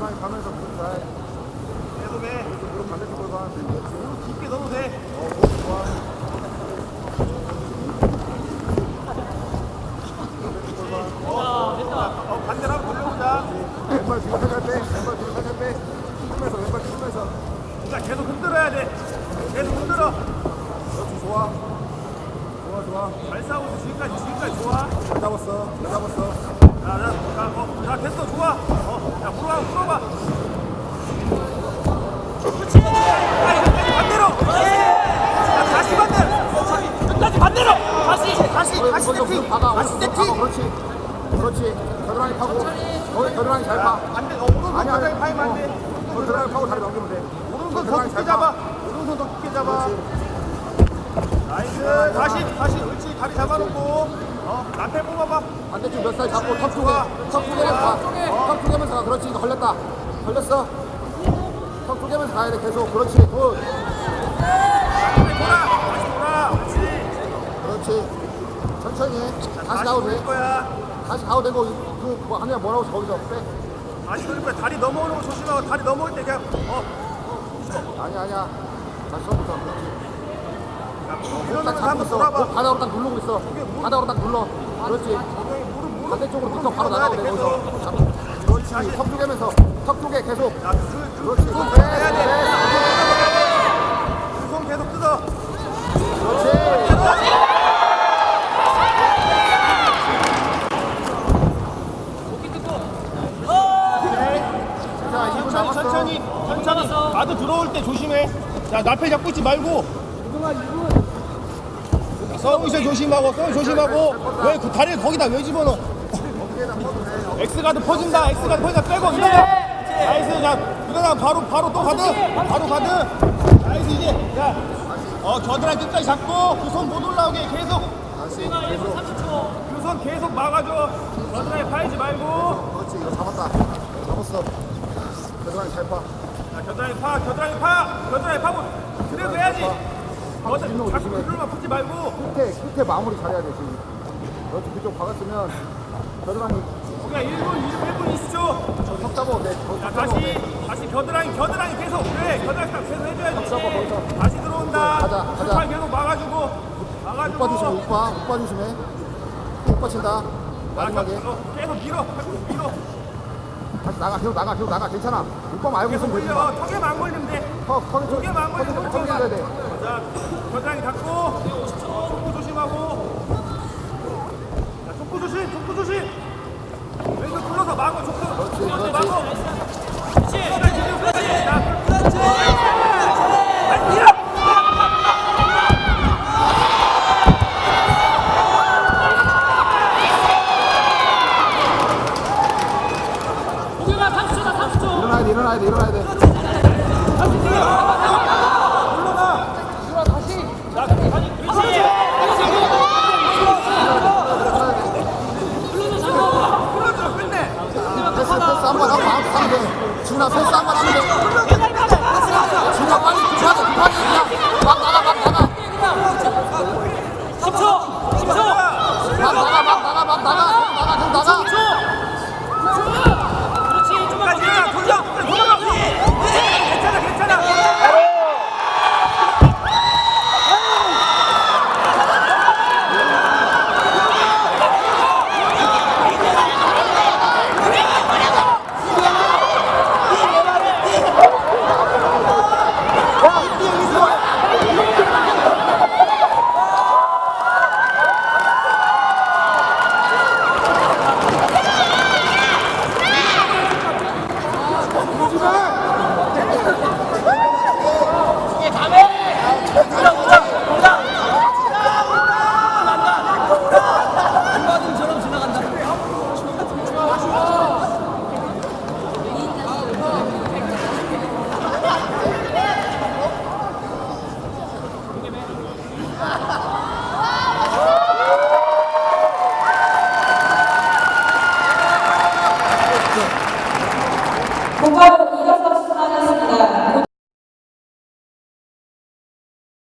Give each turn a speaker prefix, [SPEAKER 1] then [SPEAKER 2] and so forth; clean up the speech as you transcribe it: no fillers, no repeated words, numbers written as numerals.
[SPEAKER 1] 겨드랑이 가면서 무릎 잘.
[SPEAKER 2] 계속해.
[SPEAKER 1] 무릎 반대쪽으로 가.
[SPEAKER 2] 무릎 깊게 넣어도 돼.
[SPEAKER 1] 무릎 좋아.
[SPEAKER 2] 반대로 한번 돌려보자.
[SPEAKER 1] 왼발 뒤로 살살 빼. 왼발 뒤로 살살 빼. 힘면서 왼발 힘면서.
[SPEAKER 2] 자, 계속 흔들어야 돼. 계속 흔들어.
[SPEAKER 1] 그렇지 좋아. 좋아.
[SPEAKER 2] 잘 싸우고 있어. 지금까지 좋아.
[SPEAKER 1] 잘 잡았어. 잘 잡았어.
[SPEAKER 2] 자, 됐어. 좋아. 자, 풀어봐.
[SPEAKER 3] 그렇지.
[SPEAKER 2] 반대로. 자, 다시 반대로.
[SPEAKER 3] 끝까지 반대로.
[SPEAKER 1] 다시 세팅. 다시 세팅. 그렇지. 겨드랑이 파고. 겨드랑이 잘 파.
[SPEAKER 2] 반대. 오른손
[SPEAKER 1] 아니,
[SPEAKER 2] 가까이 파이면 안 돼.
[SPEAKER 1] 겨드랑이 파고 다리 넘기면 돼.
[SPEAKER 2] 오른손 더 깊게 잡아. 오른손 더 깊게 잡아. 나이스. 다시. 그렇지. 다리 잡아놓고. 앞에 뽑아봐.
[SPEAKER 1] 반대쪽 몇 살 잡고 턱 쪼개면서 가. 턱 쪼개면서 가. 그렇지. 이거 걸렸다. 걸렸어. 턱 쪼개면서 가야 돼. 계속. 그렇지. 굿.
[SPEAKER 2] 다시 돌아.
[SPEAKER 1] 그렇지. 천천히 해. 다시 가도 돼.
[SPEAKER 2] 돌릴 거야.
[SPEAKER 1] 다시 가도 되고 뭐 하냐 뭐라고 거기서 빼.
[SPEAKER 2] 다시 돌릴 거야. 다리 넘어오는 거 조심하고. 다리 넘어올 때 그냥
[SPEAKER 1] 아니야. 다시 처음부터. 그렇지.
[SPEAKER 2] 이러면서
[SPEAKER 1] 딱 잡고
[SPEAKER 2] 한번
[SPEAKER 1] 있어.
[SPEAKER 2] 돌아봐.
[SPEAKER 1] 바닥으로 딱 누르고 있어. 바닥으로 딱 눌러. 그렇지. 반대쪽으로 붙어 바로 나가야 돼. 거기서. 그렇지. 턱 쪼개면서. 턱 쪼개 계속. 그렇지.
[SPEAKER 2] 손 해야 돼. 그 손 계속 뜯어.
[SPEAKER 1] 그렇지. 자, 2분 남았어.
[SPEAKER 2] 천천히. 나도 들어올 때 조심해. 자, 나팔 잡고 있지 말고. 서브샷 조심하고. 왜 그 다리를 거기다 왜 집어넣어? X가드 퍼진다. 빼고 일어나. 나이스. 자, 일어나. 바로 또 가드. 나이스. 이제 자, 겨드랑이 끝까지 잡고 그 손 못 올라오게 계속. 그 손 계속 막아줘. 겨드랑이 파이지 말고.
[SPEAKER 1] 그렇지. 이거 잡았다. 잡았어. 겨드랑이 잘 파.
[SPEAKER 2] 자, 겨드랑이 파고. 그래도 해야지. 자꾸 그들만 붙지 말고.
[SPEAKER 1] 끝에 마무리 잘해야 돼 지금. 그렇지. 그쪽 박았으면 겨드랑이
[SPEAKER 2] 우리가 1분 20초.
[SPEAKER 1] 턱 잡아도 돼.
[SPEAKER 2] 자, 다시 겨드랑이 계속. 그래, 겨드랑이 딱 계속 해줘야지.
[SPEAKER 1] 잡아, 거기서.
[SPEAKER 2] 다시 들어온다.
[SPEAKER 1] 가자.
[SPEAKER 2] 팔 계속 막아주고.
[SPEAKER 1] 오빠 조심해. 오빠 조심해. 오빠 친다. 마지막에.
[SPEAKER 2] 계속 밀어.
[SPEAKER 1] 다시 나가. 계속 나가. 괜찮아. 오빠 말고
[SPEAKER 2] 계속
[SPEAKER 1] 있으면 되지
[SPEAKER 2] 올려.
[SPEAKER 1] 마.
[SPEAKER 2] 턱에만 안 걸리면 돼.
[SPEAKER 1] 턱에
[SPEAKER 2] 턱에만 안 걸리면
[SPEAKER 1] 턱에 해야 돼.
[SPEAKER 2] 자, 겨드랑이 닫고. 촉구 조심하고. 자, 촉구 조심. 왼손 풀어서 막어. 촉구.
[SPEAKER 1] 그렇지.
[SPEAKER 2] 막어.
[SPEAKER 1] 일어나야 돼. 패스 한번 하면 돼. 지훈아 패스 한번 하면 돼. 지훈아 빨리 급하게 그냥 막 나가.
[SPEAKER 3] 10초.
[SPEAKER 1] 막 나가.
[SPEAKER 3] 그렇지. 좀만
[SPEAKER 2] 돌아가. 괜찮아.
[SPEAKER 3] 이게 다음에